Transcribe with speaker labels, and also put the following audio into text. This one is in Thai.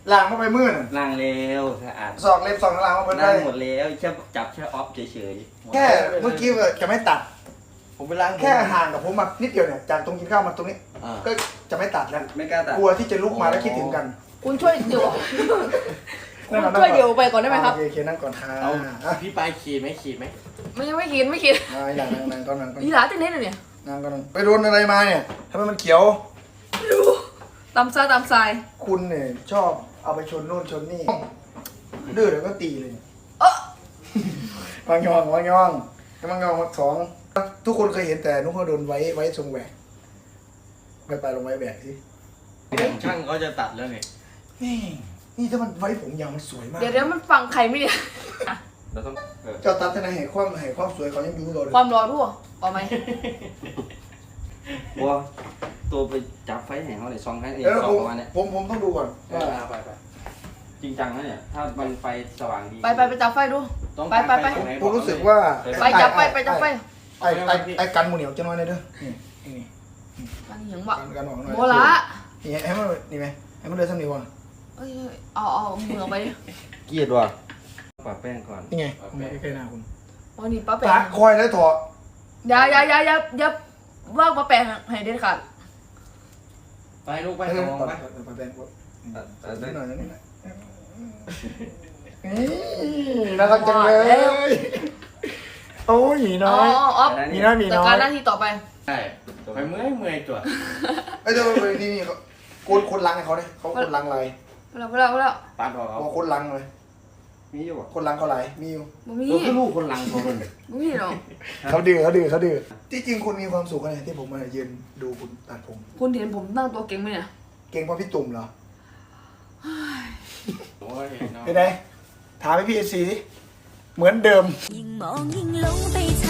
Speaker 1: ล้างมาไปมื่น
Speaker 2: ล้างแล้วสะอาด
Speaker 1: สอกเล็บสอกล้างมาเพิ่น
Speaker 2: ล้า
Speaker 1: ได้
Speaker 2: งหมดแล้วแค่จับแค่ออฟเฉย
Speaker 1: แค่เมื่อกี้จะไม่ตัด
Speaker 3: ผมไปล้าง
Speaker 1: แค่ห่างกับผมมานิดเดียวเนี่ยจากตรงกินข้าวมาตรงนี้ ก็จะไม่ตัดแล้ว
Speaker 2: ๆไม่กล้าตัด
Speaker 1: กลัวที่จะลุกมาแล้วคิดถึงกัน
Speaker 4: คุณช่วยเดี๋ยวคุณช่วยเดี๋ยวไปก่อนได้ไหมครับ
Speaker 1: โอเคนั่งก่อนค่ะ
Speaker 3: เอาพี่ปลายขีดไหมขีดไหม
Speaker 4: ไม่กิน
Speaker 1: อย่างนั่งก่อนนั่งก่อน
Speaker 4: อีหลาเต้นเล่นเลยเนี่ย
Speaker 1: นั่งก่อนไปโดนอะไรมาเนี่ยทำไมมันเขียว
Speaker 4: ตามทราย
Speaker 1: คุณเนี่ยชอบเอาไปชนโน่นชนนี่ดื้อเดี๋ยวก็ตีเลย
Speaker 4: เออ
Speaker 1: วางยองสองทุกคนเคยเห็นแต่นุ๊กเขาโดนไว้ทรงแหวกไปลงไว้แหวกสิ
Speaker 3: ช่างเขาจะตัดแล้วเนี่ย
Speaker 1: นี่ถ้ามันไว้ผมยาวมันสวยมาก
Speaker 4: เดี๋ยวมันฟังใครไม่เนี่ย
Speaker 2: เราต้อง
Speaker 1: เจ้าตัดทนายแห่ความสวยเขายังอยู่เลย
Speaker 4: ความร้อนรั่วเอาไหม
Speaker 2: บัวตัวไปจับไฟแห่งเขาเลยซองให้เอง
Speaker 1: แล้ว
Speaker 2: ซองประมาณเนี้ย
Speaker 1: ผมต้องดูก่อน
Speaker 3: ไป
Speaker 2: จริงจังนะเนี่ยถ้ามันไฟสว่างดี
Speaker 4: ไปจับไฟดู
Speaker 2: ต้อง
Speaker 4: ไป
Speaker 1: ผมรู้สึกว่า
Speaker 4: ไปจับไฟ
Speaker 1: ไอ้กันหมูเหนียวจะน้อยเลยเด้อนี่
Speaker 4: มันเหยียงบ่
Speaker 1: กันออกหน่อย
Speaker 4: โมละ
Speaker 1: นี่ให้มันนี่ไหมให้มันเดินสักนิดก่อน
Speaker 4: เอ้ยเอามือออกไปดิ
Speaker 2: เกลียดว่ะปะแป้งก่อน
Speaker 1: นี่ไงไม่ใกล้หน้าคุณ
Speaker 4: อ๋อนี่ป้าแปะ
Speaker 1: ตาคอยแล้วถอด
Speaker 4: อย่าว่างป้าแปะให้เด็ดขาด
Speaker 3: ไปลูกไป
Speaker 1: ไป
Speaker 3: สมองไป
Speaker 1: ไปแบนกด
Speaker 2: ตัด
Speaker 1: หน่อยนี่น่ารักจังเลยโอ้ยหมีน้อย
Speaker 4: อ๋อ
Speaker 1: มีน้อย
Speaker 4: จัดการหน้าที่ต่อไป
Speaker 3: ใช่ไปเมื่อยตัว
Speaker 1: ไอ้เจ้านี่คนลังให้เขาเนี่ยเขาคนลังอะไร
Speaker 4: เวลา
Speaker 3: ตัดออก
Speaker 1: บอกคนลังเลย
Speaker 2: มีอยู่อ่ะ
Speaker 1: คนลังเขาไหลมีอยู่
Speaker 4: บ่มี
Speaker 2: ตัวคือลูกคนหลังของมัน
Speaker 4: บ่มีหรอก
Speaker 1: เขาดื้อที่จริงคุณมีความสุขอะไรที่ผมมายืนดูคุณตัดผม
Speaker 4: คุณเห็นผมนั่งตัวเก่งไหมเนี่ย
Speaker 1: เก่งเพราะพี่ตุ่มเหรอ
Speaker 3: โอ้ย
Speaker 1: เป็นไงถามให้พี่เอซีสิเหมือนเดิม
Speaker 5: ยิ่งมองยิ่งหลงไปท